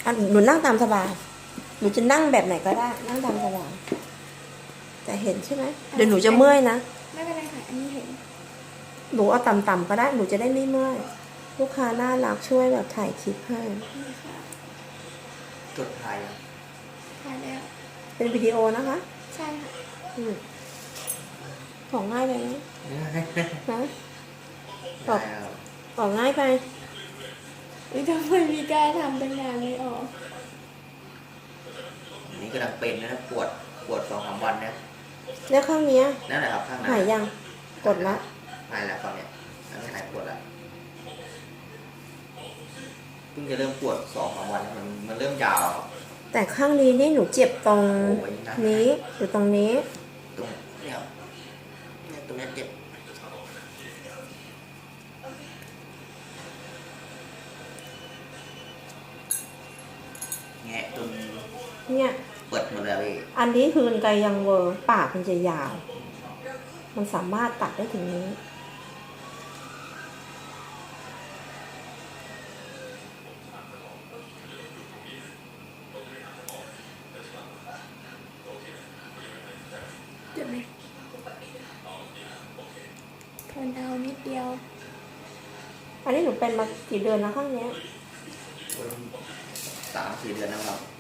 หนูนั่งตามสบายหนูจะนั่งแบบไหนก็ได้นั่งตามสบายแต่เห็นใช่ไหมเดี๋ยวหนูจะเมื่อยนะไม่เป็นไรค่ะอันนี้เห็นหนูเอาต่ำๆก็ได้หนูจะได้ไม่เมื่อยลูกค้าน่ารักช่วยแบบถ่ายคลิปให้จดถ่ายถ่ายแล้วเป็นวิดีโอนะคะใช่ค่ะของง่ายไปไหมนะออกแล้วออกง่ายไปทำไมมีกล้าทำตั้งนานไม่ออกอันนี้กำลังเป็นนะปวด2-3 วันนะแล้วข้างเนี้ยนั่นแหละครับข้างในหายยังกดละหายแล้วตอนเนี้ยอันนี้หายปวดแล้วเพิ่งจะเริ่มปวด2-3 วันมันเริ่มยาวครับแต่ข้างนี้นี่หนูเจ็บตรงโอ้ยนั่นนี้หรือตรงนี้ตรงเนี่ยตรงเนี้ยเจ็บแงะจนเนี่ยเปิดหมดแล้วพี่อันนี้คือไกลยังเวอร์ปากมันจะยาว มันสามารถตัดได้ถึงนี้เจ็บไหมทนเอานิดเดียวอันนี้หนูเป็นมากี่เดือนแล้วข้างเนี้ย 3-4 เดือนแล้วครับ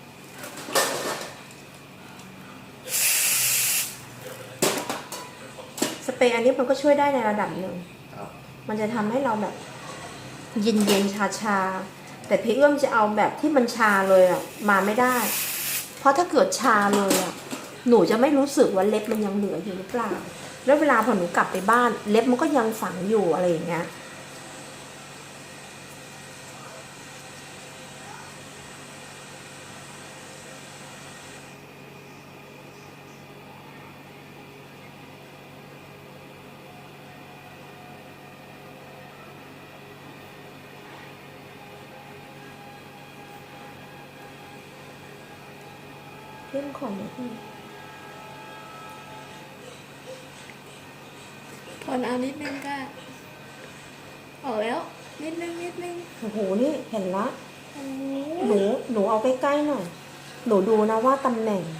สเปรย์อันนี้มันก็ช่วยได้ในระดับหนึ่งครับมันจะทำให้เราแบบเย็นเย็นชาชาๆแต่พี่เอื้อมจะเอาแบบที่มันชาเลยอ่ะมาไม่ได้ เพราะถ้าเกิดชาเลยอ่ะหนูจะไม่รู้สึกว่าเล็บมันยังเหลืออยู่หรือเปล่าแล้วเวลาพอหนูกลับไปบ้านเล็บมันก็ยังฝังอยู่อะไรอย่างเงี้ยเรื่องของมันทนเอานิดนึงก็ออกแล้วนิดนึงโอ้โหนี่เห็นละโอ้หนูเอาใกล้ๆหน่อยหนูดูนะว่าตำแหน่ง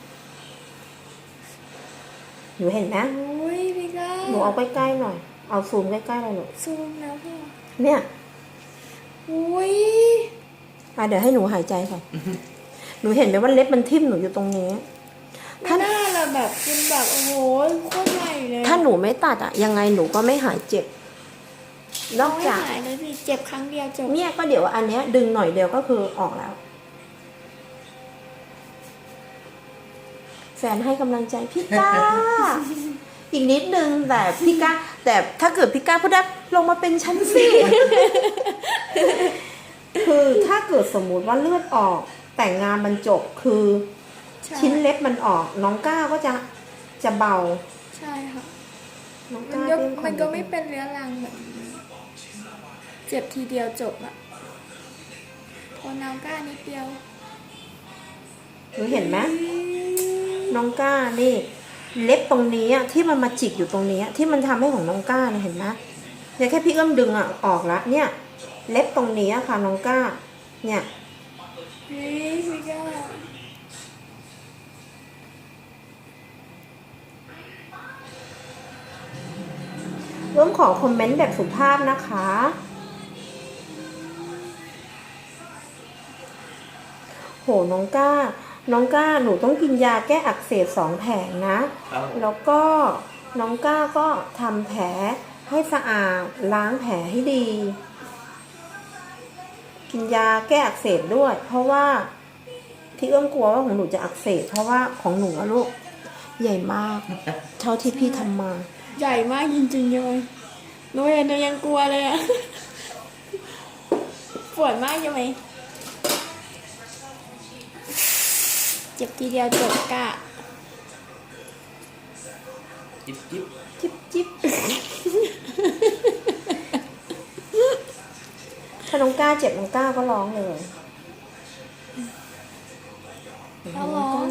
หนูเห็นนะโอ้ยพี่ก้าหนูเอาใกล้ๆหน่อยเอาซูมใกล้ๆเลยหนูซูมแล้วพ่อเนี่ยโอ้ยเดี๋ยวให้หนูหายใจก่อนหนูเห็นไหมว่าเล็บมันทิ่มหนูอยู่ตรงนี้ถ้าหน้าเราแบบเป็นแบบโอ้โหโคตรใหญ่เลยถ้าหนูไม่ตัดยังไงหนูก็ไม่หายเจ็บนอกจากไม่หายเลยพี่เจ็บครั้งเดียวจบเนี่ยก็เดี๋ยวอันเนี้ยดึงหน่อยเดียวก็คือออกแล้วแฟนให้กำลังใจพี่ก้า อีกนิดนึงแต่พี่ก้าแต่ถ้าเกิดพี่ก้าพูดได้ลงมาเป็นชั้นสิ คือถ้าเกิดสมมุติว่าเลือดออกแต่งานมันจบคือชิ้นเล็บมันออกน้องก้าก็จะเบาใช่ค่ะน้องมัก้านมันก็ไม่เป็นเรื้อรังแบบเจ็บทีเดียวจบอะพอน้องก้านิดเดียวหนูเห็นไหมน้องก้านี่เล็บตรงนี้ที่มันมาจิกอยู่ตรงนี้ที่มันทำให้ของน้องก้าเนี่ยเห็นไหมเนี่ยแค่พี่เอื้อมดึงออกละเนี่ยเล็บตรงนี้ค่ะน้องก้าเนี่ยพี่ก้าร่วมขอคอมเมนต์แบบสุภาพนะคะโหน้องก้าหนูต้องกินยาแก้อักเสบ2 แผงนะแล้วก็น้องก้าก็ทำแผลให้สะอาดล้างแผลให้ดีกินยาแก้อักเสบด้วยเพราะว่าที่เอื้อมกลัวว่าของหนูจะอักเสบเพราะว่าของหนูอะลูกใหญ่มากเท่าที่พี่ทำมาใหญ่มากจริงๆเลยหนูเห็นหนูยังกลัวเลยอะปวดมากใช่ไหมเจ็บทีเดียวจบกะจิ๊บถ้าน้องก้าเจ็บน้องก้าก็ร้องเลยเขาร้อง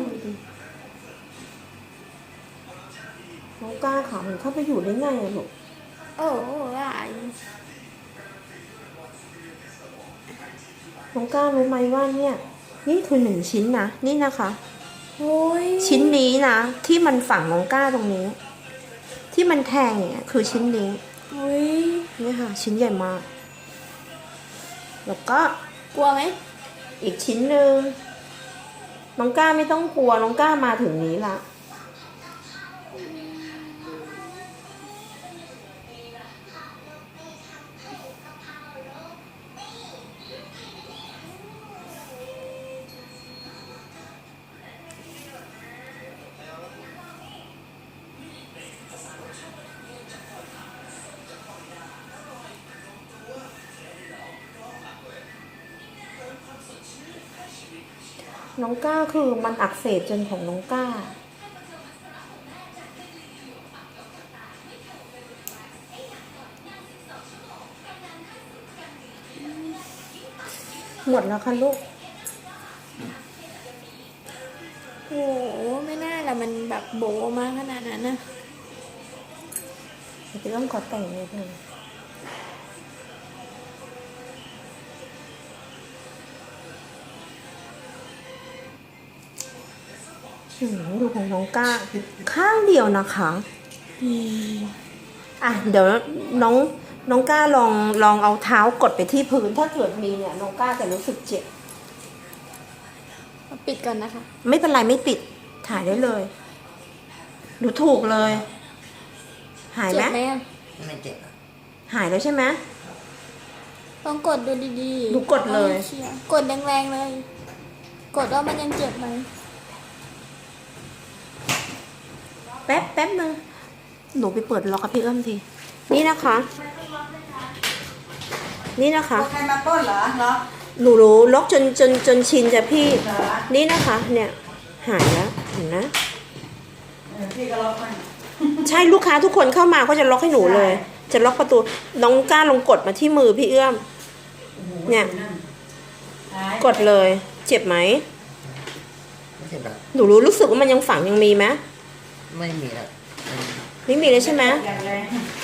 น้องก้าขามันเข้าไปอยู่ได้ไงอะลูกโอ้ยน้องก้ารู้ไหมว่าเนี่ยนี่คือ1 ชิ้นนะนี่นะคะโอ้ยชิ้นนี้นะที่มันฝังน้องก้าตรงนี้ ที่มันแทงเนี่ยคือชิ้นนี้โอ้ยนี่ค่ะ ชิ้นใหญ่มาก แล้วก็กลัวไหมอีกชิ้นหนึ่งน้องก้าไม่ต้องกลัวน้องก้ามาถึงนี้ละน้องก้าคือมันอักเสบจนของน้องก้า หมดแล้วค่ะลูกโอ้โหไม่น่าละมันแบบโบมากขนาดนั้นนะเดี๋ยวพี่ต้องขอแต่งนิดนึงดูของน้องก้า ข้างเดียวนะคะ อ่ะ เดี๋ยวน้องก้าลองเอาเท้ากดไปที่พื้น ถ้าเกิดมีเนี่ยน้องก้าจะรู้สึกเจ็บเอาปิดก่อนนะคะไม่เป็นไรไม่ปิด ถ่ายได้เลยดูถูกเลย หายเจ็ไหมบไหมอะไม่เจ็บอะหายแล้วใช่ไหมลองกดดูดีๆดูกดเลยอาชีร์กดแรงๆเลย กดว่ามันยังเจ็บไหมแป๊บนึงหนูไปเปิดล็อกกับพี่เอื้อมที นี่นะคะ นี่นะคะใครมาต้นเหรอเหรอหนูรู้ล็อกจนชินจ้ะพี่เหรอนี่นะคะ เนี่ยหายแล้วเห็นนะพี่ก็ล็อกมันใช่ลูกค้าทุกคนเข้ามาก็จะล็อกให้หนูเลย จะล็อกประตูน้องก้าลงกดมาที่มือพี่เอื้อม เนี่ยหายกดเลย เจ็บไหมไม่เจ็บอะหนูรู้สึกว่ามันยังฝังยังมีไหมไม่มีแล้วไม่มีเลยใช่ไหมอย่างแรง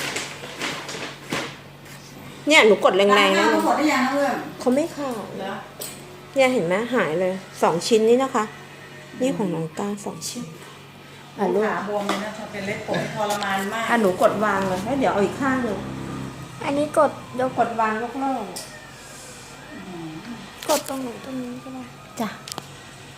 เนี่ยหนูกดแรงๆนะนะทั้งหมดได้ยังนะเพื่อนเขาไม่เข้าเหรอเนี่ยเห็นไหมหายเลย2 ชิ้นนี้นะคะ นี่ของน้องก้า2 ชิ้นอ่ะลูกขาบวมเลยนะถ้าเป็นเล็บผมทรมานมากอ่ะหนูกดวางเลยแล้วเดี๋ยวเอาอีกข้างหนึ่งอันนี้กดยกกดวางยกเลิกกดตรงไหนตรงนี้ก็ได้จ้ะ